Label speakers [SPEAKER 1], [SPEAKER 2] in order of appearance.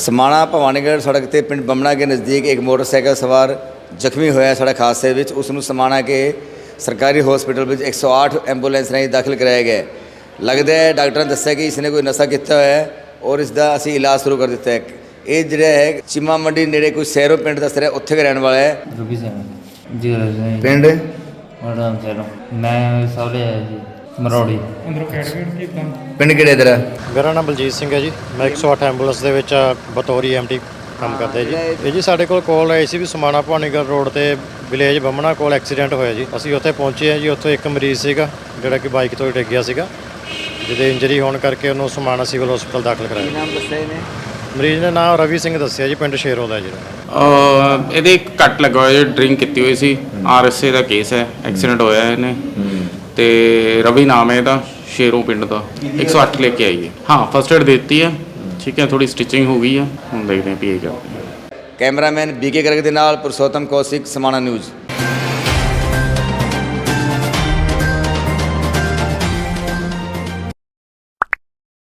[SPEAKER 1] समाणा भवानीगढ़ सड़क ते पिंड बमना के नज़दीक एक मोटरसाइकिल सवार ਜ਼ਖਮੀ ਹੋਇਆ सड़क हादसे ਵਿੱਚ ਉਸ ਨੂੰ समाणा के सरकारी हॉस्पिटल ਵਿੱਚ 108 ਐਂਬੂਲੈਂਸ ਰਾਹੀਂ ਦਾਖਲ कराया गया। लगता है डॉक्टर ने दस्सिया कि इसने कोई नशा किया है और इसका ਅਸੀਂ इलाज शुरू कर दिता है। ਇਹ ਜਿਹੜਾ ਹੈ ਚੀਮਾ ਮੰਡੀ ਨੇੜੇ ਕੋਈ ਸੈਰੋ ਪਿੰਡ ਦੱਸ ਰਿਹਾ, ਉੱਥੇ ਦਾ ਰਹਿਣ ਵਾਲਾ ਹੈ।
[SPEAKER 2] ਰੂਬੀ ਸਿੰਘ ਜੀ
[SPEAKER 1] ਪਿੰਡ
[SPEAKER 2] ਵੜਾਮ ਸੈਰੋ ਮੈਂ ਸੌਲੇ ਆਇਆ ਜੀ ਮਰੋੜੀ
[SPEAKER 1] ਪਿੰਡ ਕਿਹੜੇ ਤੇਰਾ?
[SPEAKER 3] ਮੇਰਾ ਨਾਮ ਬਲਜੀਤ ਸਿੰਘ ਹੈ ਜੀ। ਮੈਂ 108 ਐਂਬੂਲੈਂਸ ਦੇ ਵਿੱਚ ਬਤੌਰੀ ਐਮਟੀ ਕੰਮ ਕਰਦਾ ਜੀ। ਇਹ ਜੀ ਸਾਡੇ ਕੋਲ ਕਾਲ ਆਈ ਸੀ ਵੀ ਸਮਾਣਾ ਭਵਾਨੀਗੜ੍ਹ ਰੋਡ ਤੇ ਵਿਲੇਜ ਬਮਣਾ ਕੋਲ ਐਕਸੀਡੈਂਟ ਹੋਇਆ ਜੀ। ਅਸੀਂ ਉੱਥੇ ਪਹੁੰਚੇ ਹਾਂ ਜੀ। ਉੱਥੇ ਇੱਕ ਮਰੀਜ਼ ਸੀਗਾ ਜਿਹੜਾ ਕਿ ਬਾਈਕ ਤੋਂ ਡਿੱਗ ਗਿਆ ਸੀਗਾ, ਜਿਹਦੇ ਇੰਜਰੀ ਹੋਣ ਕਰਕੇ ਉਹਨੂੰ ਸਮਾਣਾ ਸਿਵਲ ਹਸਪਤਾਲ ਦਾਖਲ ਕਰਾਇਆ।
[SPEAKER 1] ਨਾਮ ਦੱਸਿਆ ਇਹਨੇ?
[SPEAKER 3] ਮਰੀਜ਼ ਦਾ ਨਾਮ ਰਵੀ ਸਿੰਘ ਦੱਸਿਆ ਜੀ, ਪਿੰਡ ਸ਼ੇਰੋਂ ਦਾ ਜਿਹੜਾ।
[SPEAKER 4] ਇਹਦੇ ਇੱਕ ਕੱਟ ਲੱਗਾ ਹੋਇਆ, ਡਰਿੰਕ ਕੀਤੀ ਹੋਈ ਸੀ। RSA ਦਾ ਕੇਸ ਹੈ, ਐਕਸੀਡੈਂਟ ਹੋਇਆ ਇਹਨੇ ਤੇ ਰਵੀ ਨਾਮ ਹੈ ਇਹਦਾ, ਸ਼ੇਰੋਂ ਪਿੰਡ ਦਾ। 108 ਲੈ ਕੇ ਆਈਏ। ਹਾਂ ਫਸਟ ਏਡ ਦੇ ਦਿੱਤੀ ਹੈ, ਠੀਕ ਹੈ। ਥੋੜੀ ਸਟਿਚਿੰਗ ਹੋ ਗਈ ਹੈ, ਹੁਣ ਦੇਖਦੇ ਹਾਂ ਪੀ ਕਰਦੇ।
[SPEAKER 1] ਕੈਮਰਾਮੈਨ BK ਗਰਗ ਦੇ ਨਾਲ ਪੁਰਸ਼ੋਤਮ ਕੌਸ਼ਿਕ, ਸਮਾਣਾ ਨਿਊਜ਼।